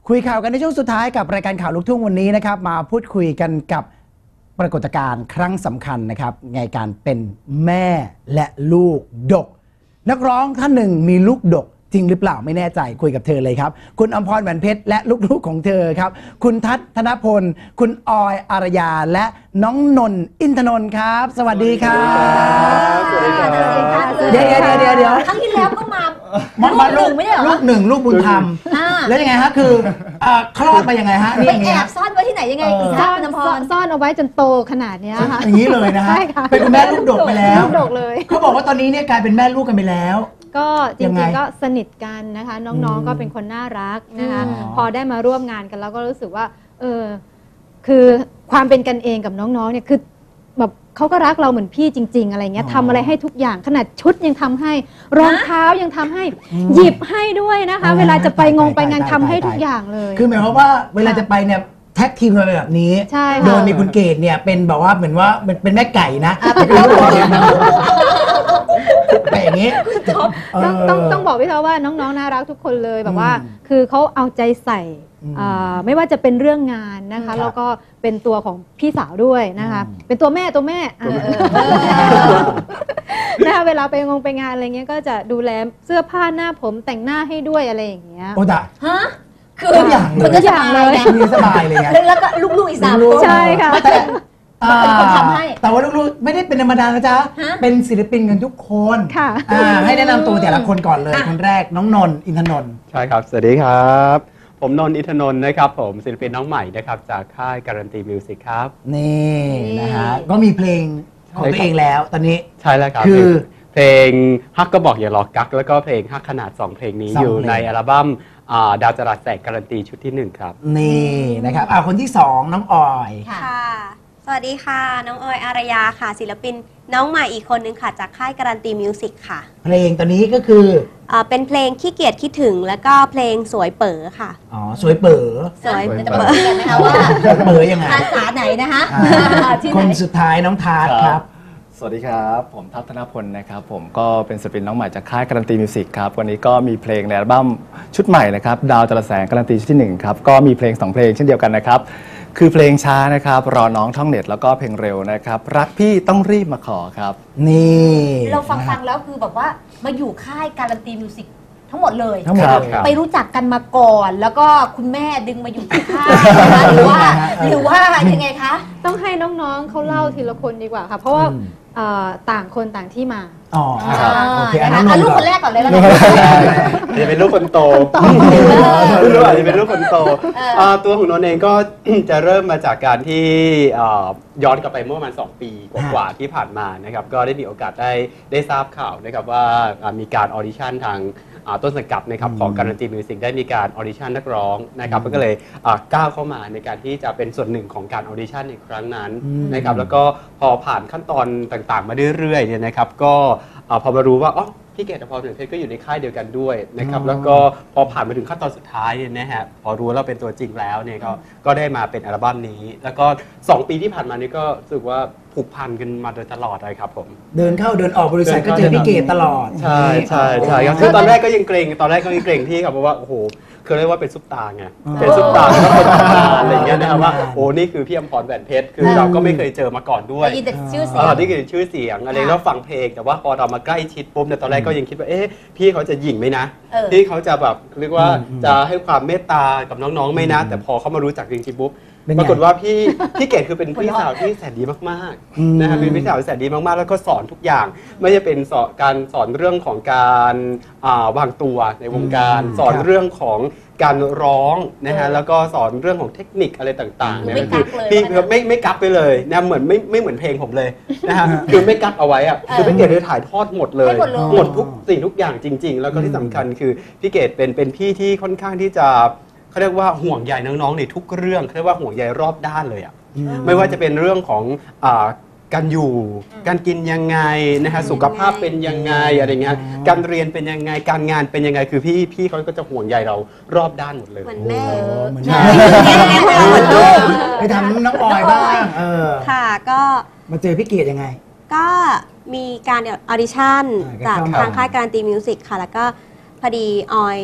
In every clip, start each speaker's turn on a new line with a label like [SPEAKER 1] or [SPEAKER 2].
[SPEAKER 1] คุยข่าวกันในช่วงสุดท้ายกับรายการข่าวลูกทุ่งวันนี้นะครับมาพูดคุยกันกับปรากฏการณ์ครั้งสำคัญนะครับในการเป็นแม่และลูกดกนักร้องท่านหนึ่งมีลูกดกจริงหรือเปล่าไม่แน่ใจคุยกับเธอเลยครับคุณอมพร แหวนเพชรและลูกๆของเธอครับคุณทัศน์ ธนพลคุณออยอารยาและน้องนนท์ อินทนนท์ครับสวัสดีครับ
[SPEAKER 2] สวัสดีครับ
[SPEAKER 1] เดี๋ยว
[SPEAKER 2] ครั้งที่แล้วก็มา
[SPEAKER 1] ลูกไม่ได้หรอลูกหนึ่งลูกบุญธรรมแล้วยังไงฮะคือคลอดไปยังไงฮะ
[SPEAKER 2] ไปแอบซ่อนไว้ที่ไหนยังไง
[SPEAKER 3] ซ่อนเอาไว้จนโตขนาดนี้ค่ะ
[SPEAKER 1] อย่างนี้เลยนะฮะเป็นคุณแม่ลูกดกไปแล้ว
[SPEAKER 3] ลูกดกเลย
[SPEAKER 1] เขาบอกว่าตอนนี้เนี่ยกลายเป็นแม่ลูกกันไปแล้ว
[SPEAKER 3] ก็จริงๆก็สนิทกันนะคะน้องๆก็เป็นคนน่ารักนะคะพอได้มาร่วมงานกันแล้วก็รู้สึกว่าคือความเป็นกันเองกับน้องๆเนี่ยคือแบบเขาก็รักเราเหมือนพี่จริงๆอะไรเงี้ยทำอะไรให้ทุกอย่างขนาดชุดยังทำให้รองเท้ายังทำให้หยิบให้ด้วยนะคะเวลาจะไปงานทำให้ทุกอย่างเลย
[SPEAKER 1] คือหมายความว่าเวลาจะไปเนี่ยแท็กทีมกันแบบนี้โดยมีคุณเกดเนี่ยเป็นแบบว่าเหมือนว่าเป็นแม่ไก่นะไปอย่างนี้
[SPEAKER 3] ต้องบอกพี่เขาว่าน้องๆน่ารักทุกคนเลยแบบว่าคือเขาเอาใจใส่ไม่ว่าจะเป็นเรื่องงานนะคะแล้วก็เป็นตัวของพี่สาวด้วยนะคะเป็นตัวแม่นะคะเวลาไปงานอะไรเงี้ยก็จะดูแลเสื้อผ้าหน้าผมแต่งหน้าให้ด้วยอะไรอย่างเงี้ย
[SPEAKER 1] โอ้ด่า
[SPEAKER 2] ฮะคือทุกอย่างเลย
[SPEAKER 1] มีสบายเลย
[SPEAKER 2] แล้วก็ลูกๆอีก3 คน
[SPEAKER 3] ใช่ค่ะ
[SPEAKER 2] เป็นคนทำให้
[SPEAKER 1] แต่ว่าลูกๆไม่ได้เป็นธรรมดานะจ๊ะเป็นศิลปินกันทุกคนให้แนะนำตัวแต่ละคนก่อนเลยคนแรกน้องนนท์ อินทนนท์
[SPEAKER 4] ใช่ครับสวัสดีครับผมนนท์ อินทนนท์นะครับผมศิลปินน้องใหม่นะครับจากค่ายการันตีมิวสิกครับ
[SPEAKER 1] นี่นะฮะก็มีเพลงของตัวเองแล้วตอนนี้
[SPEAKER 4] ใช่แล้วครับคือเพลงฮักก็บอกอย่ารอกักแล้วก็เพลงฮักขนาด2เพลงนี้อยู่ในอัลบั้มดาวจรัสแสงการันตีชุดที่1ครับ
[SPEAKER 1] นี่นะครับคนที่2น้องออย
[SPEAKER 5] ค่ะสวัสดีค่ะน้องออยอารยาค่ะศิลปินน้องใหม่อีกคนนึงค่ะจากค่ายการันตีมิวสิกค่ะ
[SPEAKER 1] เพลงตอนนี้ก็คือ
[SPEAKER 5] เป็นเพลงขี้เกียจคิดถึงแล้วก็เพลงสวยเป๋อค่ะ
[SPEAKER 1] สวยเป๋อ
[SPEAKER 2] สวยเป๋อกันนะคะว่า
[SPEAKER 1] เป๋อยังไง
[SPEAKER 2] ภาษาไหนนะคะ
[SPEAKER 1] คนสุดท้ายน้องทาร์ตครับ
[SPEAKER 6] สวัสดีครับผมทัศน์ ธนพลนะครับผมก็เป็นศิลปินน้องใหม่จากค่ายการันตีมิวสิกครับวันนี้ก็มีเพลงในอัลบั้มชุดใหม่นะครับดาวจรัสแสงการันตีชุดที่1ครับก็มีเพลง2เพลงเช่นเดียวกันนะครับคือเพลงช้านะครับรอน้องท่องเน็ตแล้วก็เพลงเร็วนะครับรักพี่ต้องรีบมาขอครับ
[SPEAKER 1] นี่
[SPEAKER 2] เราฟังแล้วคือแบบว่ามาอยู่ค่ายการันตีมิวสิกทั้งหมดเลยไปรู้จักกันมาก่อนแล้วก็คุณแม่ดึงมาอยู่ที่ค่ายหรือว่ายังไงคะ
[SPEAKER 3] ต้องให้น้องๆเขาเล่าทีละคนดีกว่าค่ะเพราะว่าต่างคนต่างที่มา
[SPEAKER 1] โอเค
[SPEAKER 2] ลูกคนแรกก่อนเลยแล้วกัน
[SPEAKER 4] จะเป็นลูกคนโตลูกอาจจะเป็นลูกคนโตตัวของนนท์เองก็จะเริ่มมาจากการที่ย้อนกลับไปเมื่อประมาณ2 ปีกว่าที่ผ่านมานะครับก็ได้มีโอกาสได้ทราบข่าวนะครับว่ามีการออดิชั่นทางต้นสังกัดนะครับของการันตีมิวสิกได้มีการออดิชั่นนักร้องนะครับก็เลยก้าวเข้ามาในการที่จะเป็นส่วนหนึ่งของการออดิชั่นในครั้งนั้นนะครับแล้วก็พอผ่านขั้นตอนต่างๆมาเรื่อยๆเนี่ยนะครับก็พอมารู้ว่าพี่เกดกับพร แหวนเพชรก็อยู่ในค่ายเดียวกันด้วยนะครับแล้วก็พอผ่านมาถึงขั้นตอนสุดท้ายเนี่ยนะฮะพอรู้ว่าเราเป็นตัวจริงแล้วเนี่ยก็ได้มาเป็นอัลบั้มนี้แล้วก็2 ปีที่ผ่านมานี่ก็รู้สึกว่าผูกพันกันมาโดยตลอดเลยครับผม
[SPEAKER 1] เดินเข้าเดินออกบริษัทก็เจอพี่เกดตลอด
[SPEAKER 4] ใช่ครับคือตอนแรกก็ยังเกรงที่ครับเพราะว่าโอ้โหคือเรียกว่าเป็นซุปตาไงเป็นซุปตาแล้วก็เป็นตำนานอะไรอย่างเงี้ยนะครับว่าโอ้นี่คือพี่อมพร แหวนเพชรคือเราก็ไม่เคยเจอมาก่อนด้วย
[SPEAKER 2] นี่คือชื่อเสียง
[SPEAKER 4] อะไรแล้วฟังเพลงแต่ว่าพอเรามาใกล้ชิดปุ๊บเนี่ยตอนแรกก็ยังคิดว่าพี่เขาจะหยิ่งไหมนะพี่เขาจะแบบเรียกว่าจะให้ความเมตตากับน้องๆไหมนะแต่พอเขามารู้จักจริงๆปุ๊บปรากฏว่าพี่เกดคือเป็นพี่สาวที่แสนดีมากๆนะครับเป็นพี่สาวแสนดีมากๆแล้วก็สอนทุกอย่างไม่ว่าเป็นการสอนเรื่องของการวางตัวในวงการสอนเรื่องของการร้องนะฮะแล้วก็สอนเรื่องของเทคนิคอะไรต่างๆเนี่ยคือพี่ไม่กักไปเลยนะเหมือนไม่เหมือนเพลงผมเลยนะฮะคือไม่กักเอาไว้อะคือพี่เกดเลยถ่ายทอดหมดเลยหมดทุกสิ่งทุกอย่างจริงๆแล้วก็ที่สำคัญคือพี่เกดเป็นพี่ที่ค่อนข้างที่จะเขาเรียกว่าห่วงใยน้องๆในทุกเรื่องเขาเรียกว่าห่วงใยรอบด้านเลยอ่ะไม่ว่าจะเป็นเรื่องของการอยู่การกินยังไงนะฮะสุขภาพเป็นยังไงอะไรเงี้ยการเรียนเป็นยังไงการงานเป็นยังไงคือพี่เขาก็จะห่วงใยเรารอบด้านหมดเลย
[SPEAKER 5] เหมือนแม่
[SPEAKER 1] เหมือนลูกไปทำน้องออยบ้าง
[SPEAKER 5] ค่ะก็
[SPEAKER 1] มาเจอพี่เกดยังไง
[SPEAKER 5] ก็มีการออดิชั่นจากทางค่ายการันตีมิวสิกค่ะแล้วก็พอดีออย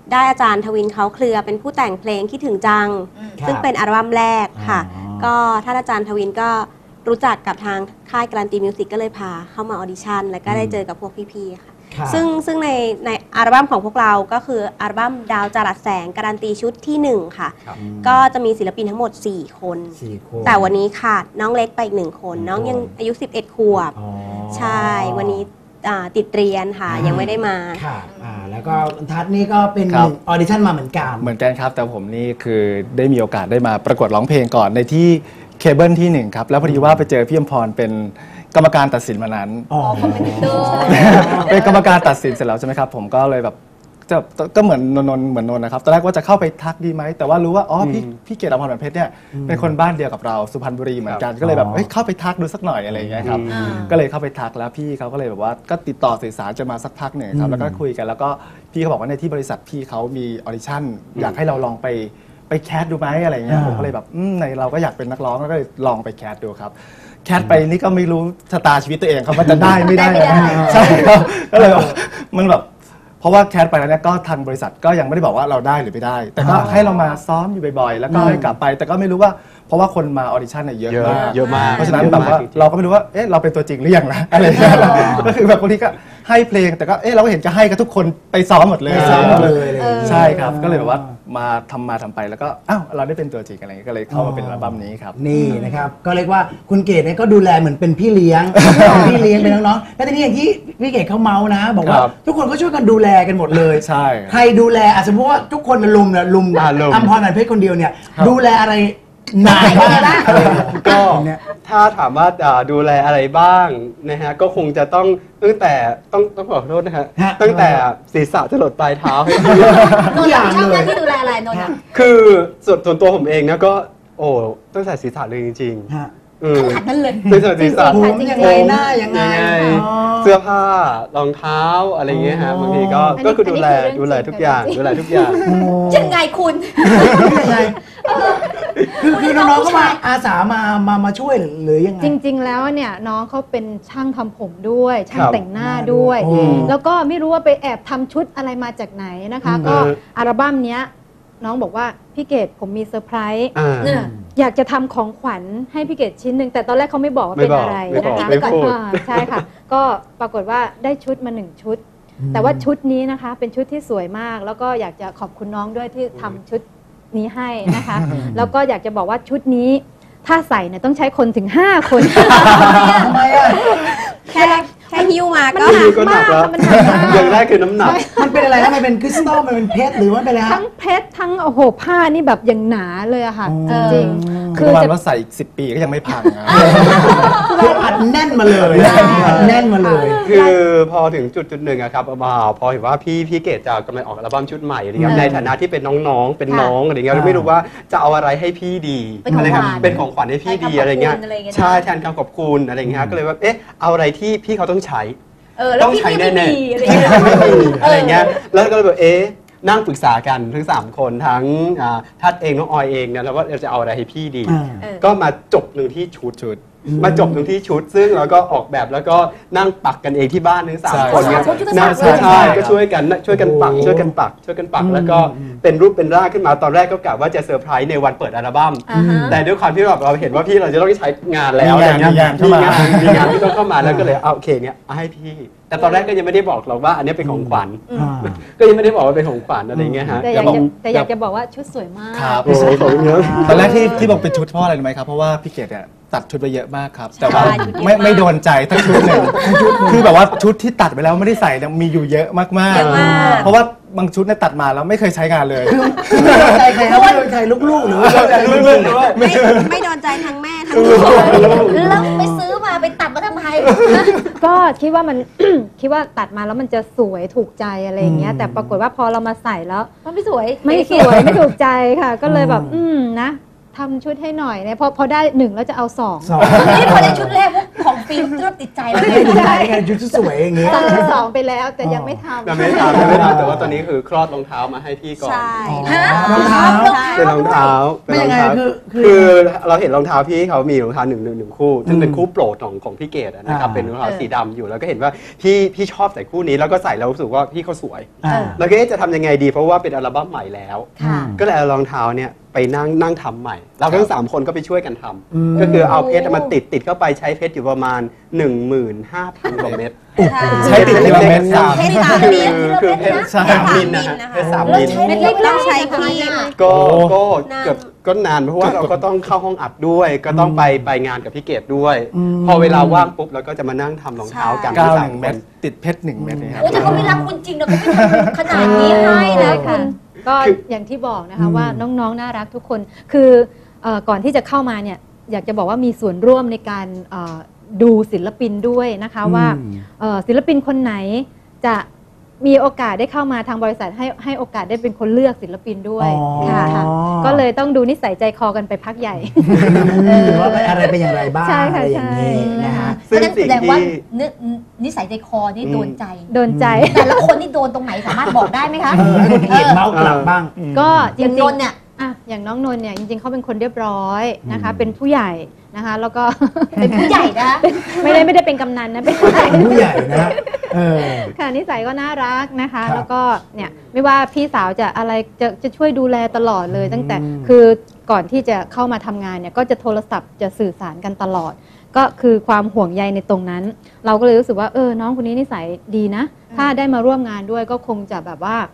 [SPEAKER 5] ได้อาจารย์ทวินเขาเคลือเป็นผู้แต่งเพลงคิดถึงจัง
[SPEAKER 1] ครับ
[SPEAKER 5] ซึ่งเป็นอัลบั้มแรกค่ะ
[SPEAKER 1] อ๋อ
[SPEAKER 5] ก็ท่านอาจารย์ทวินก็รู้จักกับทางค่ายการันตีมิวสิกก็เลยพาเข้ามาออดิชั่นแล้วก็ได้เจอกับพวกพี่ๆค่ะ
[SPEAKER 1] ครับ
[SPEAKER 5] ซึ่งในอัลบั้มของพวกเราก็คืออัลบั้มดาวจรัสแสงการันตีชุดที่ 1 ค่ะ
[SPEAKER 4] ครับ
[SPEAKER 5] ก็จะมีศิลปินทั้งหมด 4 คน
[SPEAKER 1] 4 คน
[SPEAKER 5] แต่วันนี้ขาดน้องเล็กไปอีก1 คน น้องยังอายุ 11 ขวบ
[SPEAKER 1] อ๋อ
[SPEAKER 5] ใช่ วันนี้ติดเรียนค่ะ ยังไม่ได้มา
[SPEAKER 1] ค่ะแล้วก็ทัศน์นี่ก็เป็น
[SPEAKER 6] ครับ
[SPEAKER 1] ออดิชั่นมาเหมือนกัน
[SPEAKER 6] เหมือนกันครับ แต่ผมนี่คือได้มีโอกาสได้มาประกวดร้องเพลงก่อนในที่เคเบิลที่ 1 ครับ แล้วพอดีว่าไปเจอพี่อมพรเป็นกรรมการตัดสินมานั้น
[SPEAKER 1] อ๋อ
[SPEAKER 2] คอมเมนเตอร์
[SPEAKER 6] เป็นกรรมการตัดสินเสร็จแล้วใช่ไหมครับ ผมก็เลยแบบก็เหมือนนนท์เหมือนนนท์นะครับตอนแรกว่าจะเข้าไปทักดีไหมแต่ว่ารู้ว่าอ๋อพี่เกดอภรณ์เพชรเนี่ยเป็นคนบ้านเดียวกับเราสุพรรณบุรีเหมือนกันก็เลยแบบเฮ้ยเข้าไปทักดูสักหน่อยอะไรอย่างเงี้ยครับ ก็เลยเข้าไปทักแล้วพี่เขาก็เลยแบบว่าก็ติดต่อสื่อสารจะมาสักพักหนึ่งครับแล้วก็คุยกันแล้วก็พี่เขาบอกว่าในที่บริษัทพี่เขามีออดิชั่นอยากให้เราลองไปแคสดูไหมอะไรเงี้ยผมก็เลยแบบในเราก็อยากเป็นนักร้องแล้วก็เลยลองไปแคสดูครับแคสไปนี่ก็ไม่รู้ชะตาชีวิตตัวเองครับว่าจะได้ไม่ได้ใช่ครับก็เลยมันแบบเพราะว่าแคสไปแล้วเนี่ยก็ทางบริษัทก็ยังไม่ได้บอกว่าเราได้หรือไม่ได้ แต่ก็ให้เรามาซ้อมอยู่บ่อยๆแล้วก็ให้กลับไปแต่ก็ไม่รู้ว่าเพราะว่าคนมาออดิชั่นเนี่ยเยอะมาก
[SPEAKER 4] เยอะมาก
[SPEAKER 6] เพราะฉะนั้นแบบว่าเราก็ไม่รู้ว่าเอ๊ะเราเป็นตัวจริงหรือยังนะอะไรอย่างเงี้ยก็คือแบบบางทีก็ให้เพลงแต่ก็เอ๊ะเราก็เห็นจะให้กับทุกคนไปซ้อมหมดเลย
[SPEAKER 1] ไปซ้อมหมดเลย
[SPEAKER 6] ใช่ครับก็เลยแบบว่ามาทำไปแล้วก็อ้าวเราได้เป็นตัวจริงอะไรเงี้ยก็เลยเข้ามาเป็นอัลบั้มนี้ครับ
[SPEAKER 1] นี่นะครับก็เรียกว่าคุณเกดเนี่ยก็ดูแลเหมือนเป็นพี่เลี้ยง เป็นพี่เลี้ยงเป็นน้องๆแล้วทีนี้อย่างที่พี่เกดเขาเมาส์นะ บอกว่า
[SPEAKER 6] ครับ
[SPEAKER 1] ทุกคนก็ช่วยกันดูแลกันหมดเลย
[SPEAKER 6] ใช่
[SPEAKER 1] ใครดูแลสมมติว่าทุกคนลุมเนี่ยลุม
[SPEAKER 4] ลุม
[SPEAKER 1] อัมพรเพชรคนเดียวเนี่ย ดูแลอะไรนายบ้างนะ
[SPEAKER 4] ก็
[SPEAKER 1] เนี่ย
[SPEAKER 4] ถ้าถามว่าดูแลอะไรบ้างนะฮะก็คงจะต้องตั้งแต่ต้องขอโทษนะฮะ
[SPEAKER 1] ฮะ
[SPEAKER 4] ตั้งแต่ศีรษะจะหลดปลายเท้าให้
[SPEAKER 1] ทุกอย่าง
[SPEAKER 2] ชอบห
[SPEAKER 1] เล
[SPEAKER 2] น้าย ที่ดูแลอะไรนนท์อะ
[SPEAKER 4] คือส่วนตัวผมเองนะก็โอ้ตั้งแต่ศีรษะเลยจริง
[SPEAKER 1] ฮะ
[SPEAKER 4] ๆอืม
[SPEAKER 2] ขนาดนั้นเลย
[SPEAKER 4] ตั้งแต่ศีรษะ
[SPEAKER 1] ผมยังไงหน้ายังไงอ๋อ
[SPEAKER 4] เสื้อผ้ารองเท้าอะไรเงี้ยฮะบางทีก็
[SPEAKER 3] อันนี้
[SPEAKER 4] ก็คือดูแล
[SPEAKER 3] อันนี้คือเรื่อง
[SPEAKER 4] ทุกอย่าง
[SPEAKER 3] จริง
[SPEAKER 4] ดูแลทุกอย่าง
[SPEAKER 2] ยังไงคุณ
[SPEAKER 1] ยังไงคือน้องๆก็มาอาสามาช่วยหรือยังไง
[SPEAKER 3] จริง ๆ แล้วเนี่ยน้องเขาเป็นช่างทำผมด้วย ช่าง
[SPEAKER 4] ครับ
[SPEAKER 3] แต่งหน้าด้วย
[SPEAKER 1] โอ้
[SPEAKER 3] แล้วก็ไม่รู้ว่าไปแอบทำชุดอะไรมาจากไหนนะคะ ก็อัลบั้มเนี้ยน้องบอกว่าพี่เกดผมมีเซอร์ไพรส์
[SPEAKER 2] เนี่ย
[SPEAKER 3] อยากจะทำของขวัญให้พี่เกดชิ้นหนึ่งแต่ตอนแรกเขาไม่บอกว่าเป็นอะไร
[SPEAKER 4] ไม่บอก
[SPEAKER 3] นะคะ
[SPEAKER 4] ไม่พูด
[SPEAKER 3] ใช่ค่ะ ก็ปรากฏว่าได้ชุดมา1 ชุด แต่ว่าชุดนี้นะคะเป็นชุดที่สวยมาก แล้วก็อยากจะขอบคุณน้องด้วยที่ทำชุดนี้ให้นะคะ แล้วก็อยากจะบอกว่าชุดนี้ถ้าใส่เนี่ยต้องใช้คนถึง 5 คน
[SPEAKER 1] ทำไมอ่ะ
[SPEAKER 5] แค่หิ้วมาก็
[SPEAKER 4] คือก็หนักแล้ว
[SPEAKER 3] มันหนักมาก
[SPEAKER 4] อย่างแรกคือน้ำหนัก
[SPEAKER 1] มันเป็นอะไรนะมันเป็นคริสตัลมันเป็นเพชรหรือว่าเป็นอะไร
[SPEAKER 3] ทั้
[SPEAKER 1] ฮะ
[SPEAKER 3] งเพชรทั้งโอ้โหผ้านี่แบบอย่างหนาเลยอะค่ะ
[SPEAKER 1] อ๋อ
[SPEAKER 3] จริง
[SPEAKER 6] คือประมาณว่าใส่อีก10 ปีก็ยังไม่พังนะ
[SPEAKER 1] คืออัดแน่นมาเลยอัดแน่นมาเลย
[SPEAKER 4] คือพอถึงจุดหนึ่งอะครับพอเห็นว่าพี่เกดจะกำลังออกอัลบั้มชุดใหม่อะไรเงี้ยในฐานะที่เป็นน้องๆเป็นน้องอะไรเงี้ยไม่รู้ว่าจะเอาอะไรให้พี่ดี
[SPEAKER 2] เป็นของขวัญ
[SPEAKER 4] ะไรครับเป็นของขวัญให้พี่ดี
[SPEAKER 2] แทนคำ
[SPEAKER 4] อะไรเงี้ย
[SPEAKER 2] ขอบคุณอะไรเงี้ยนะ
[SPEAKER 4] ใช่แทนคำขอบคุณอะไรเงี้ยก็เลยว่าเอ๊ะเอาอะไรที่พี่เขาต้องใช้
[SPEAKER 2] แล้ว
[SPEAKER 4] ต้อง
[SPEAKER 2] พี่
[SPEAKER 4] ใช้
[SPEAKER 2] ไม่
[SPEAKER 4] แน่
[SPEAKER 2] มี
[SPEAKER 4] ๆ
[SPEAKER 2] อะไร
[SPEAKER 4] ที่
[SPEAKER 2] เงี้ย
[SPEAKER 4] ไม่มีอะไรเงี้ยแล้วก็เลยแบบนั่งปรึกษากันทั้ง3คนทั้งทัดเองน้องออยเองเนี่ยแล้วว่าเราจะเอาอะไรให้พี่ดี ก็มาจบหนึ่งที่ชุดมาจบหนึ่งที่ชุด ซึ่งเราก็ออกแบบแล้วก็นั่งปักกันเองที่บ้านทั้ง3 คนเนี่ย
[SPEAKER 2] ใช่
[SPEAKER 4] ใช่ก็ช่วยกันปักช่วยกันปักแล้วก็เป็นรูปเป็นร่างขึ้นมาตอนแรกก็กะว่าจะเซอร์ไพรส์ในวันเปิดอัลบั้ม
[SPEAKER 2] อ่าฮะ
[SPEAKER 4] แต่ด้วยความที่เราเห็นว่าพี่เราจะต้องใช้งานแล้วอะไรเงี้ย
[SPEAKER 6] มีงานเข้ามา
[SPEAKER 4] มีงานที่ต้องเข้ามาแล้วก็เลยเอาโอเคเนี่ยเอาให้พี่ แต่ตอนแรกก็ยังไม่ได้บอกหรอกว่าอันนี้เป็นของขวัญก็ยังไม่ได้บอกว่าเป็นของขวัญอะไรเงี้ยฮะ
[SPEAKER 3] แต่อยากจะบอกว่าชุดสวยมาก
[SPEAKER 6] ครับ
[SPEAKER 4] โอ้โหขอบคุณครับ
[SPEAKER 6] ตอนแรกที่บอกเป็นชุดเพราะอะไรรู้ไหมครับ เพราะว่าพี่เกดเนี่ยตัดชุดไปเยอะมากครับ แต่ว่า
[SPEAKER 2] ใช่ชุดเยอะมาก
[SPEAKER 6] ไม่โดนใจทั้งชุดหนึ่งคือแบบว่าชุดที่ตัดไปแล้วไม่ได้ใส่เนี่ยมีอยู่เยอะมาก
[SPEAKER 5] เยอะมาก
[SPEAKER 6] เพราะว่าบางชุดเนี่ยตัดมาแล้วไม่เคยใช้งานเลย
[SPEAKER 1] ไม่โดนใจใครครับไม่โดนใจลูกๆหรือว่าโดนใจลูกๆหรือว่า
[SPEAKER 5] ไม่โดนใจทั้งแม่ทั้งลูก
[SPEAKER 2] แล้วไปซื้อมาไปตัดมาทำไม
[SPEAKER 3] ก็คิดว่ามัน คิดว่าตัดมาแล้วมันจะสวยถูกใจอะไรอย่างเงี้ย แต่ปรากฏว่าพอเรามาใส่แล้ว
[SPEAKER 2] มันไม่สวย
[SPEAKER 3] ไม่สวย ไม่ถูกใจค่ะ ก็เลยแบบนะทำชุดให้หน่อยเนี่ยพอได้1แล้วจะเอา2
[SPEAKER 1] สอง
[SPEAKER 2] นี่พอในชุดแรกพวกของฟิล์มเริ่มติดใจแล้ว
[SPEAKER 1] ไม่ได้ไงชุดสวยอย่างงี้
[SPEAKER 3] สั่งชุด2ไปแล้วแต่ยังไม่ทำ
[SPEAKER 4] ยังไม่ทำยังไม่ทำแต่ว่าตอนนี้คือคลอดรองเท้ามาให้พี่ก่อน
[SPEAKER 5] ใช่
[SPEAKER 2] ฮะ
[SPEAKER 1] รองเท้า
[SPEAKER 4] เป็นรองเท้า
[SPEAKER 1] ไม่ยังไง
[SPEAKER 4] คือเราเห็นรองเท้าพี่เขามีรองเท้าหนึ่งคู่ซึ่งเป็นคู่โปรดของพี่เกดนะครับเป็นรองเท้าสีดำอยู่แล้วก็เห็นว่าพี่ชอบใส่คู่นี้แล้วก็ใส่แล้วรู้สึกว่าพี่เขาสวย
[SPEAKER 1] อ่า
[SPEAKER 4] แล้วก็จะทำยังไงดีเพราะว่าเป็นอัลบั้มใหม่แล้ว
[SPEAKER 2] ค่ะ
[SPEAKER 4] ก็เลยเอารองเท้าเนี่ยไปนั่งทำใหม่เราทั้ง3 คนก็ไปช่วยกันทำ
[SPEAKER 1] อืม
[SPEAKER 4] ก็คือเอาเพชรมาติดเข้าไปใช้เพชรอยู่ประมาณ 15,000 กว่าเม็ด
[SPEAKER 6] ใช้ติดทีละเม็ด
[SPEAKER 4] สาม
[SPEAKER 5] เพชร3 มิล
[SPEAKER 4] คือเพชร
[SPEAKER 6] ใช่
[SPEAKER 4] 3 มิลนะฮะเพชร3 มิล
[SPEAKER 2] เล็กๆ
[SPEAKER 5] ต้องใช้พี่
[SPEAKER 4] ก็
[SPEAKER 6] โอ้
[SPEAKER 4] เกือบก็นานเพราะว่าเราก็ต้องเข้าห้องอัดด้วย ก็ต้องไปงานกับพี่เกดด้วย
[SPEAKER 1] อืม
[SPEAKER 4] พอเวลาว่างปุ๊บเราก็จะมานั่งทำรองเท้ากัน
[SPEAKER 6] ก้าว
[SPEAKER 4] สา
[SPEAKER 6] 1
[SPEAKER 4] ค
[SPEAKER 6] เม็ดติดเพชร1 เม็ดนี่ครับ
[SPEAKER 2] โอ้แต่เขาไม่รักคุณจริงนะเขาไม่ทำขนาดนี้ให้นะ
[SPEAKER 3] ใช่
[SPEAKER 2] คุ
[SPEAKER 3] ค่ะ
[SPEAKER 2] ณ
[SPEAKER 3] ก็อย่างที่บอกนะคะ
[SPEAKER 1] อืม
[SPEAKER 3] ว่าน้องๆน่ารักทุกคนคือก่อนที่จะเข้ามาเนี่ยอยากจะบอกว่ามีส่วนร่วมในการดูศิลปินด้วยนะคะว่าศิลปินคนไหนจะมีโอกาสได้เข้ามาทางบริษัทให้โอกาสได้เป็นคนเลือกศิลปินด้วย
[SPEAKER 1] อ๋อ
[SPEAKER 3] ค่ะก็เลยต้องดูนิสัยใจคอกันไปพักใหญ่
[SPEAKER 1] ว่าอะไรเป็นอย่างไรบ้าง
[SPEAKER 3] ใช่ค่ะ
[SPEAKER 1] อะไรอย่างนี้
[SPEAKER 3] ใช่
[SPEAKER 1] นะฮะ
[SPEAKER 2] เพราะฉะนั้น
[SPEAKER 4] ซึ่
[SPEAKER 2] แส
[SPEAKER 4] ง
[SPEAKER 2] ดงว่า
[SPEAKER 4] สิ่งที่
[SPEAKER 2] นิสัยใจคอนี่โดนใจ
[SPEAKER 3] โดนใจ
[SPEAKER 2] แต่ละคนนี่โดนตรงไหนสามารถบอกได้ไหมคะ
[SPEAKER 1] ให้คนเขียนเมาส์กลับบ้าง
[SPEAKER 3] ก็จ
[SPEAKER 2] อย่าง
[SPEAKER 3] ริ
[SPEAKER 2] น
[SPEAKER 3] ง
[SPEAKER 2] นท์เนี่ย
[SPEAKER 3] ๆอ่ะอย่างน้องนนท์เนี่ยจริงๆเขาเป็นคนเรียบร้อยนะคะ เป็นผู้ใหญ่นะคะแล้วก็
[SPEAKER 2] เป็นผู้ใหญ่นะคะ
[SPEAKER 3] ไม่ได้เป็นกำนันนะเป็นผู้ใหญ่
[SPEAKER 1] เป็นผู้ใหญ่นะเออ
[SPEAKER 3] ค่ะนิสัยก็น่ารักนะคะ
[SPEAKER 1] ครับ
[SPEAKER 3] แล้วก็เนี่ยไม่ว่าพี่สาวจะอะไรจะช่วยดูแลตลอดเลย ตั้งแต่
[SPEAKER 1] อืม
[SPEAKER 3] คือก่อนที่จะเข้ามาทำงานเนี่ยก็จะโทรศัพท์จะสื่อสารกันตลอด ก็คือความห่วงใยในตรงนั้น เราก็เลยรู้สึกว่าน้องคนนี้นิสัยดีนะ ถ้าได้มาร่วมงานด้วยก็คงจะแบบว่า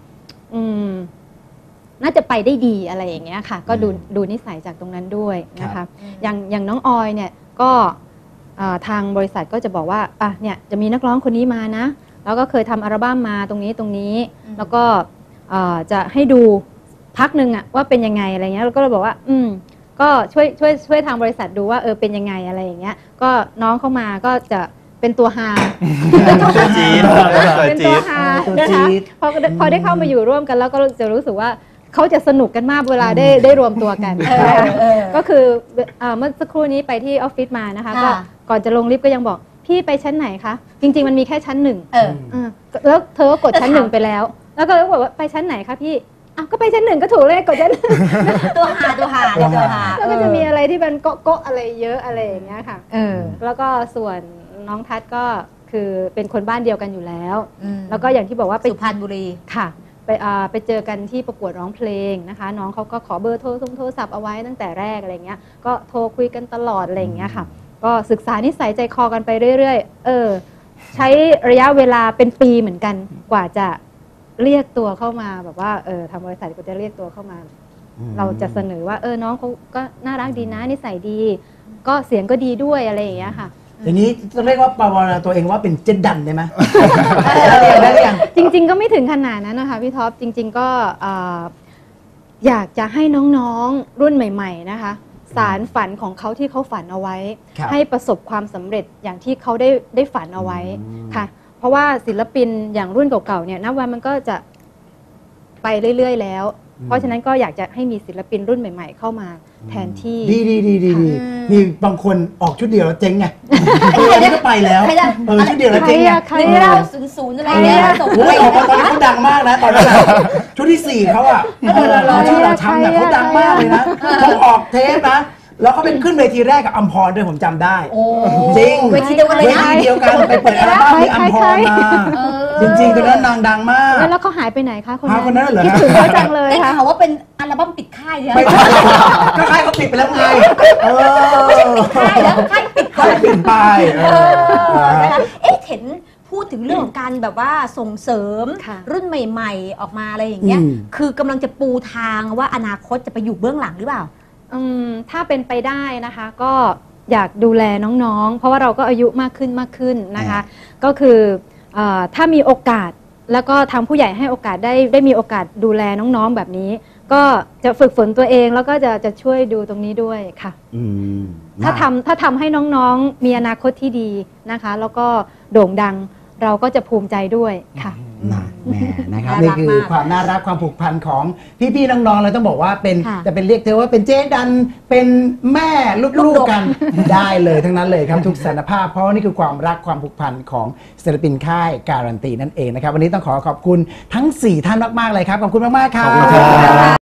[SPEAKER 3] น่าจะไปได้ดีอะไรอย่างเงี้ยค่ะ ก็ดูนิสัยจากตรงนั้นด้วยนะ
[SPEAKER 1] ครั
[SPEAKER 3] คะ
[SPEAKER 1] บ
[SPEAKER 3] อย่างน้องออยเนี่ยก็ทางบริษัทก็จะบอกว่าเนี่ยจะมีนักร้องคนนี้มานะ แล้วก็เคยทำอัลบั้มมาตรงนี้แล้วก็จะให้ดูพักหนึ่งว่าเป็นยังไงอะไรเงี้ยแล้วก็เลยบอกว่าก็ช่วยทางบริษัทดูว่าเป็นยังไงอะไรอย่างเงี้ยก็น้องเข้ามาก็จะเป็นตัวฮา
[SPEAKER 4] ตัวจี๊ด
[SPEAKER 3] เป็นตัวฮา
[SPEAKER 1] ตัว
[SPEAKER 3] นะ
[SPEAKER 1] จี๊
[SPEAKER 3] คะ
[SPEAKER 1] ด
[SPEAKER 3] พอได้เข้ามาอยู่ร่วมกันแล้วก็จะรู้สึกว่าเขาจะสนุกกันมากเวลาได้รวมตัวกันนะคะก็คือเมื่อสักครู่นี้ไปที่ออฟฟิศมานะคะก็ก่อนจะลงลิฟต์ก็ยังบอกพี่ไปชั้นไหนคะจริงๆมันมีแค่ชั้น1แล้วเธอก็กดชั้น1ไปแล้วแล้วก็บอกว่าไปชั้นไหนคะพี่ก็ไปชั้น1ก็ถูกเลยกดชั้น
[SPEAKER 2] ตัวหาตัวหา
[SPEAKER 3] แล้วก็จะมีอะไรที่เป็นโก๊ะอะไรเยอะอะไรอย่างเงี้ยค่ะแล้วก็ส่วนน้องทัศน์ก็คือเป็นคนบ้านเดียวกันอยู่แล้วแล้วก็อย่างที่บอกว่าไป
[SPEAKER 2] สุพรรณบุรี
[SPEAKER 3] ค่ะไปเจอกันที่ประกวดร้องเพลงนะคะน้องเขาก็ขอเบอร์โทรศัพท์เอาไว้ตั้งแต่แรกอะไรเงี้ยก็โทรคุยกันตลอดอะไรอย่างเงี้ยค่ะก็ศึกษานิสัยใจคอกันไปเรื่อยๆใช้ระยะเวลาเป็นปีเหมือนกันกว่าจะเรียกตัวเข้ามาแบบว่าทางบริษัทก็จะเรียกตัวเข้ามา เราจะเสนอว่าน้องเขาก็น่ารักดีนะนิสัยดี ก็เสียงก็ดีด้วยอะไรอย่างเงี้ยค่ะ
[SPEAKER 1] อย่างนี้จะเรียกว่าปาวนาตัวเองว่าเป็นเจดดันได้ไหม ได้หรือยัง
[SPEAKER 3] จริงๆก็ไม่ถึงขนาดนั้นนะคะพี่ท็อปจริง ๆก็อยากจะให้น้องๆรุ่นใหม่ๆนะคะสารฝันของเขาที่เขาฝันเอาไว้
[SPEAKER 1] ครับ
[SPEAKER 3] ให้ประสบความสำเร็จอย่างที่เขาได้ฝันเอาไว้ค่ะ เพราะว่าศิลปินอย่างรุ่นเก่าๆเนี่ยนับวันมันก็จะไปเรื่อยๆแล้ว เพราะฉะนั้นก็อยากจะให้มีศิลปินรุ่นใหม่ ๆ เข้ามาแทนที่
[SPEAKER 1] ดีมีบางคนออกชุดเดียวแล้วเจ๊งไงนี่ก็ไปแล้วชุดเดียวแล้วเจ๊งไง
[SPEAKER 3] ใคร
[SPEAKER 2] นี่เรา00อะไรเงี้ยส่ง
[SPEAKER 1] โอ้ยออกมาตอนนี้เขาดังมากนะตอนนั้นชุดที่ 4เขาอ่ะชื่อเราช้ำเนี่ยเขาดังมากเลยนะเขาออกเทปนะแล้วเขาเป็นขึ้นเวทีแรกกับอัมพรด้วยผมจำได้
[SPEAKER 2] โอ้
[SPEAKER 1] จริง
[SPEAKER 2] เวทีเดียวกันเลย
[SPEAKER 1] เว
[SPEAKER 2] นะ
[SPEAKER 1] ทีเดียวกันไปเปิดอัลบั้มที่อัมพรมาจริงๆตอนนั้นนางดังมาก
[SPEAKER 3] แล้วเขาหายไปไหนคะคน
[SPEAKER 1] คนนั้นเหรอ
[SPEAKER 3] คิดถึงเขาจังเลย
[SPEAKER 2] ได้
[SPEAKER 3] ค่ะ
[SPEAKER 2] ข่าวว่าเป็นอัลบั้มปิดค่ายเลย
[SPEAKER 1] ไม่ใช่ก็ค่ายเขาปิดไปแล้วไง
[SPEAKER 2] ค่ายแล้วค่ายปิดก่อน
[SPEAKER 1] ปิดไป
[SPEAKER 2] นะคะเห็นพูดถึงเรื่องของการแบบว่าส่งเสริมรุ่นใหม่ๆออกมาอะไรอย่างเงี้ยคือกำลังจะปูทางว่าอนาคตจะไปอยู่เบื้องหลังหรือเปล่า
[SPEAKER 3] ถ้าเป็นไปได้นะคะก็อยากดูแลน้องๆเพราะว่าเราก็อายุมากขึ้นนะคะก็คือถ้ามีโอกาสแล้วก็ทางผู้ใหญ่ให้โอกาสได้มีโอกาสดูแลน้องๆแบบนี้ก็จะฝึกฝนตัวเองแล้วก็จะช่วยดูตรงนี้ด้วยค่ะถ้าทำให้น้องๆมีอนาคตที่ดีนะคะแล้วก็โด่งดังเราก็จะภูมิใจด้วยค่ะ
[SPEAKER 1] นะแหม่นะครับ
[SPEAKER 2] น่ารัก
[SPEAKER 1] นี่คือ
[SPEAKER 2] มาก
[SPEAKER 1] ความน่ารักความผูกพันของพี่ๆน้องๆเลยต้องบอกว่าเป็น
[SPEAKER 3] ค่ะ
[SPEAKER 1] จะเป็นเรียกเธอว่าเป็นเจ๊ดันเป็นแม่ลูกๆกันได้เลยทั้งนั้นเลยครับทุกสถานภาพเพราะว่านี่คือความรักความผูกพันของศิลปินค่ายการันตีนั่นเองนะครับวันนี้ต้องขอขอบคุณทั้ง 4 ท่านมากๆเลยครับขอบคุณมากๆครับ
[SPEAKER 6] ขอบคุณครับ